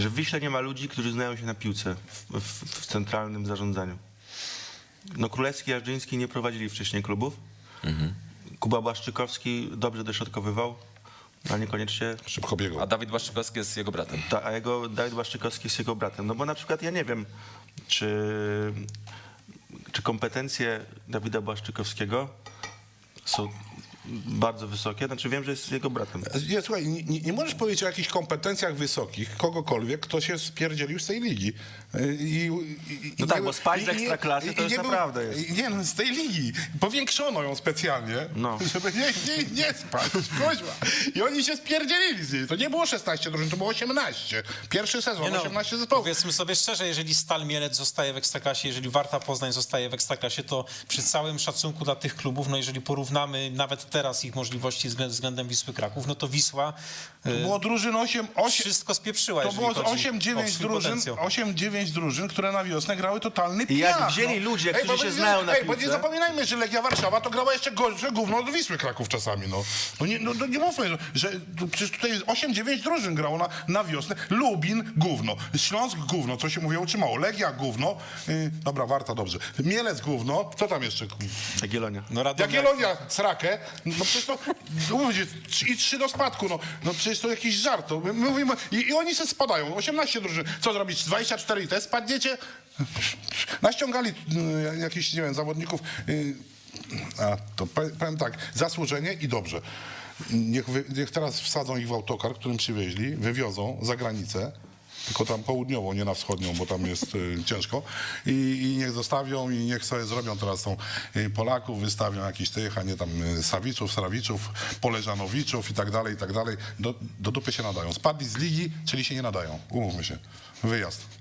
Że w Wiśle nie ma ludzi, którzy znają się na piłce w centralnym zarządzaniu. No Królewski i Jarzyński nie prowadzili wcześniej klubów. Kuba Błaszczykowski dobrze dośrodkowywał, ale niekoniecznie... Szybko biegł. A Dawid Błaszczykowski jest jego bratem. Dawid Błaszczykowski jest jego bratem. No bo na przykład ja nie wiem, czy kompetencje Dawida Błaszczykowskiego są bardzo wysokie. Znaczy wiem, że jest jego bratem. Nie, słuchaj, nie możesz powiedzieć o jakichś kompetencjach wysokich kogokolwiek, kto się spierdzielił z tej ligi. No tak, bo spaść z Ekstraklasy to już naprawdę jest. Nie, no z tej ligi. Powiększono ją specjalnie, No. żeby nie spać. Kuźwa. I oni się spierdzielili z niej. To nie było 16 drużyn, to było 18. Pierwszy sezon, 18 zespołów. Powiedzmy sobie szczerze, jeżeli Stal Mielec zostaje w Ekstraklasie, jeżeli Warta Poznań zostaje w Ekstraklasie, to przy całym szacunku dla tych klubów, no jeżeli porównamy nawet teraz ich możliwości względem Wisły Kraków, no to Wisła Było drużyn 8, wszystko spieprzyła, to jeżeli było chodzi o 8-9 swój drużyn, potencjał. 8-9 drużyn, które na wiosnę grały totalny I jak piach. wzięli ludzie, którzy bo się nie- znają na bo nie piłce. zapominajmy, że Legia Warszawa to grała jeszcze gorsze gówno od Wisły Kraków czasami, no. No nie mówmy, że przecież tutaj 8-9 drużyn grało na wiosnę. Lubin gówno, Śląsk gówno, co się mówiło, czy mało, Legia gówno, dobra, Warta dobrze, Mielec gówno, co tam jeszcze? Jagiellonia. No Radomiak, Jagiellonia srakę, no przecież to mówię, i 3 do spadku, no przecież to jakiś żart. To my mówimy, i oni się spadają, 18 drużyn. Co zrobić? 24 i te spadniecie? Naściągali jakichś, nie wiem, zawodników. To powiem tak, zasłużenie i dobrze. Niech teraz wsadzą ich w autokar, którym przywieźli, wywiozą za granicę, tylko tam południową, nie na wschodnią, bo tam jest ciężko. I niech zostawią i niech sobie zrobią teraz tą Polaków, wystawią jakichś tych, a nie tam Srawiczów, Poleżanowiczów i tak dalej, i tak dalej. Do dupy się nadają. Spadli z ligi, czyli się nie nadają. Umówmy się. Wyjazd.